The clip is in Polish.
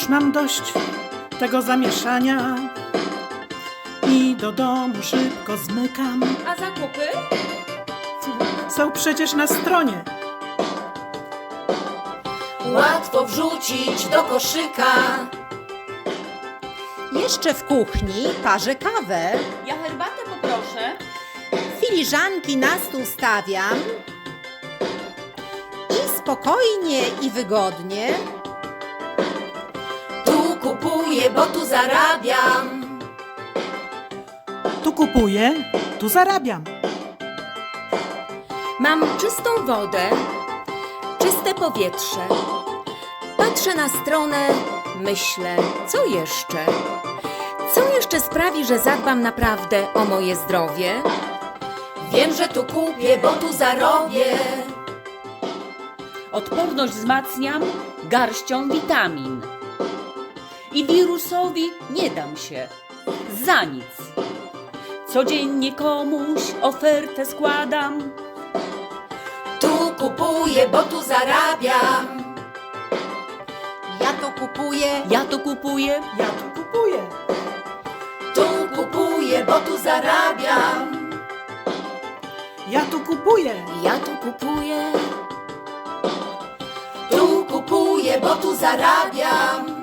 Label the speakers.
Speaker 1: Już mam dość tego zamieszania i do domu szybko zmykam.
Speaker 2: A zakupy?
Speaker 1: Są przecież na stronie.
Speaker 3: Łatwo wrzucić do koszyka.
Speaker 4: Jeszcze w kuchni parzę kawę.
Speaker 2: Ja herbatę poproszę.
Speaker 4: Filiżanki na stół stawiam. I spokojnie i wygodnie
Speaker 3: Tu kupuję, bo tu zarabiam.
Speaker 1: Tu kupuję, tu zarabiam.
Speaker 2: Mam czystą wodę, czyste powietrze. Patrzę na stronę, myślę, co jeszcze? Co jeszcze sprawi, że zadbam naprawdę o moje zdrowie?
Speaker 3: Wiem, że tu kupię, bo tu zarobię.
Speaker 5: Odporność wzmacniam garścią witamin. I wirusowi nie dam się za nic. Codziennie komuś ofertę składam.
Speaker 3: Tu kupuję, bo tu zarabiam.
Speaker 4: ja to kupuję.
Speaker 5: Ja to kupuję.
Speaker 1: Ja tu kupuję.
Speaker 3: Tu kupuję, bo tu zarabiam.
Speaker 1: Ja tu kupuję.
Speaker 2: Ja tu kupuję.
Speaker 3: Tu kupuję, bo tu zarabiam.